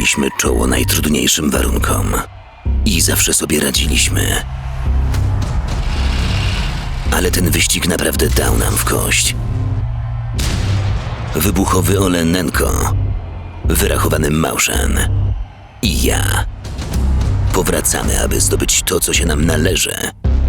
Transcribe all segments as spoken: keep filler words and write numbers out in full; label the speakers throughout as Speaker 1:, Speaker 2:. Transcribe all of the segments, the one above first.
Speaker 1: Stawialiśmy czoło najtrudniejszym warunkom i zawsze sobie radziliśmy. Ale ten wyścig naprawdę dał nam w kość. Wybuchowy Olenenko, wyrachowany Mauszan i ja powracamy, aby zdobyć to, co się nam należy.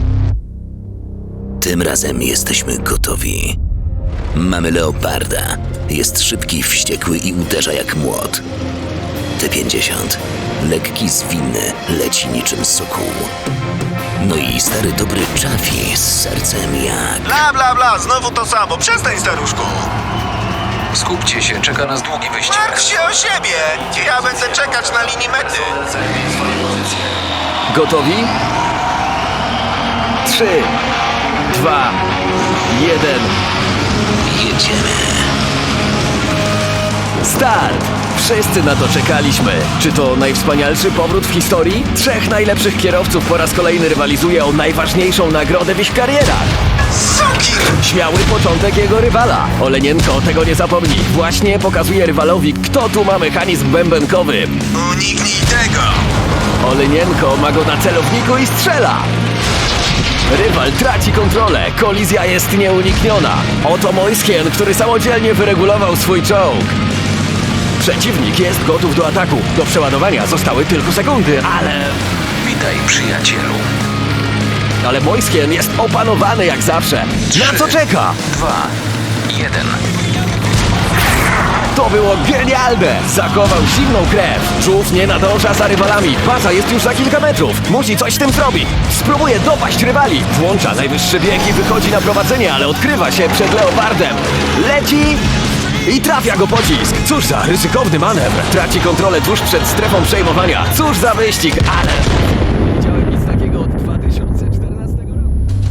Speaker 1: Tym razem jesteśmy gotowi. Mamy Leoparda. Jest szybki, wściekły i uderza jak młot. T pięćdziesiąt. Lekki, zwinny, leci niczym sokół. No i stary dobry Chaffee z sercem jak...
Speaker 2: Bla, bla, bla, znowu to samo. Przestań, staruszku.
Speaker 3: Skupcie się, czeka nas długi wyścig.
Speaker 2: Martw się o siebie. Ja będę czekać na linii mety.
Speaker 4: Gotowi? Trzy, dwa, jeden.
Speaker 1: Jedziemy.
Speaker 4: Start! Wszyscy na to czekaliśmy. Czy to najwspanialszy powrót w historii? Trzech najlepszych kierowców po raz kolejny rywalizuje o najważniejszą nagrodę w ich karierach.
Speaker 2: Suki!
Speaker 4: Śmiały początek jego rywala. Olenienko tego nie zapomni. Właśnie pokazuje rywalowi, kto tu ma mechanizm bębenkowy.
Speaker 2: Uniknij tego.
Speaker 4: Olenienko ma go na celowniku i strzela. Rywal traci kontrolę. Kolizja jest nieunikniona. Oto Moiskien, który samodzielnie wyregulował swój czołg. Przeciwnik jest gotów do ataku. Do przeładowania zostały tylko sekundy, ale...
Speaker 3: Witaj, przyjacielu.
Speaker 4: Ale Moiskien jest opanowany jak zawsze. Na co czeka?
Speaker 3: Dwa, jeden.
Speaker 4: To było genialne! Zachował zimną krew. Żółw nie nadąża za rywalami. Baza jest już za kilka metrów. Musi coś z tym zrobić. Spróbuje dopaść rywali. Włącza najwyższy bieg i wychodzi na prowadzenie, ale odkrywa się przed Leopardem. Leci i trafia go pocisk. Cóż za ryzykowny manewr. Traci kontrolę tuż przed strefą przejmowania. Cóż za wyścig, ale... Nie widziałem nic takiego od dwa tysiące czternastego roku.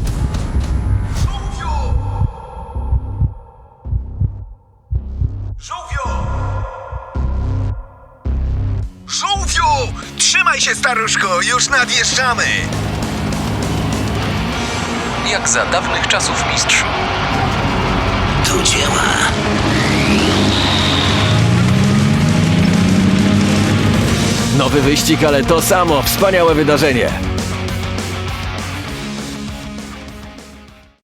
Speaker 2: Żółwiu! Żółwiu! Trzymaj się, staruszku, już nadjeżdżamy.
Speaker 3: Jak za dawnych czasów, mistrzu.
Speaker 1: To działa.
Speaker 4: Nowy wyścig, ale to samo wspaniałe wydarzenie.